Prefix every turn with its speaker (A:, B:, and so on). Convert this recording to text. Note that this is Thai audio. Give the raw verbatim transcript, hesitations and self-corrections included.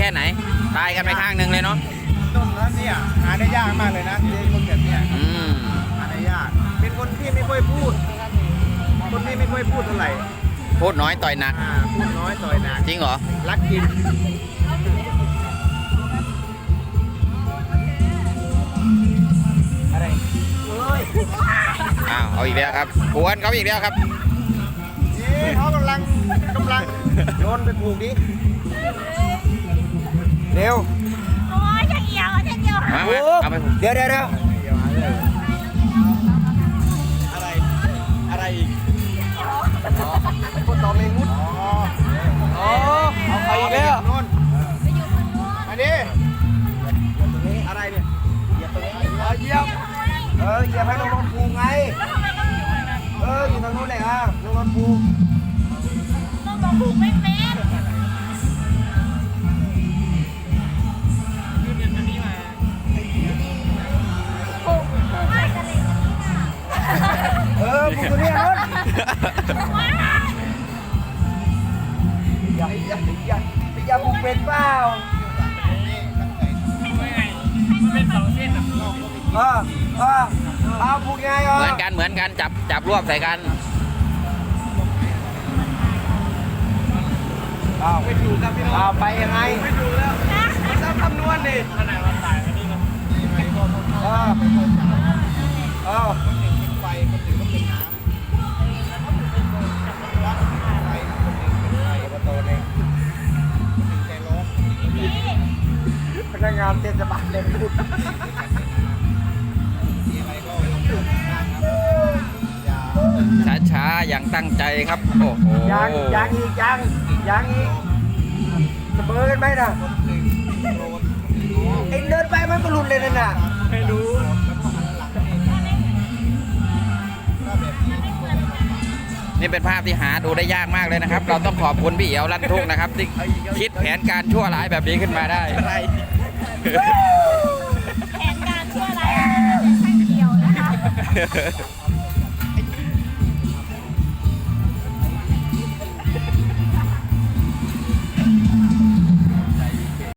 A: ค่ไหนตายกันไปข้างหนึ่งเลยเนาะ
B: ต้นนั้นเนี่ยหาได้ยากมากเลยนะเจคนแบบเนี้ย
A: อืม
B: หาได้ยากเป็นคนที่ไม่ค่อยพูดคนที่ไม่ค่อยพูดเท่าไหร่
A: พูดน้อยต่อยหนัก
B: อ่าพูดน้อยต่อยหนัก
A: จริงเหรอ
B: รักกินอะไรเอ้ย
A: อ้าวเอาอีกแล้วครับกวนเขาอีกแล้วครับ
B: นี่เขากำลังกำลังโยนไปผูกดิเร็ว
C: โอ้ยจะเกี่ยวจะเกี่ยว
A: มาเอาไป
B: เดี๋ยวเดี๋ยวเดี๋ยวอะไรอะไรอีกคนต่อเมงุดอ๋อเอาไปอีกแล้วนู่นมาดิตรงนี้อะไรเนี่ยเหยียบตรงนี้เหยียบเออเหยียบให้ลงรถผูกไงเอออยู่ตรงนู้นเลยอ่ะลงรถผูก
C: ต้องบอกผูกไม่เป็น
B: เออผูกตัวนี้รถอย่าอย่าอย่าอย่าผูกเป็นเปล่าเออเออเอาผูกไงอ่ะ
A: เหมือนกันเหมือนกันจับจับรวบใส่กัน
B: อ้าวไม่ถูกครับพี่น้องอ้าวไปยังไงไม่ถูกแล้วมันต้องคำนวณดิขนาดมันตายอันนี้นะเออเออคนหนึ่งเป็นไฟคนหนึ่งก็เป็นน้ำไฟคนหนึ่งเป็นไฟประตูเนี่ยคนหนึ่งใจร้อนพนักงานเทศบาลเต็มรูป
A: ช้าช้าอย่างตั้งใจครับโอ้โห
B: ยังยังอีกยังยังอีกเสมอกันไหมนะไอ้เดินไปมันก็หลุดเลยนั่นน่ะไม่รู้
A: นี่เป็นภาพที่หาดูได้ยากมากเลยนะครับเราต้องขอบคุณพี่เอ๋วลั่นทุ่งนะครับที่คิดแผนการชั่วร้ายแบบนี้ขึ้นมาได้
C: แผนการชั่วร้ายช่างเกี่ยวนะคะ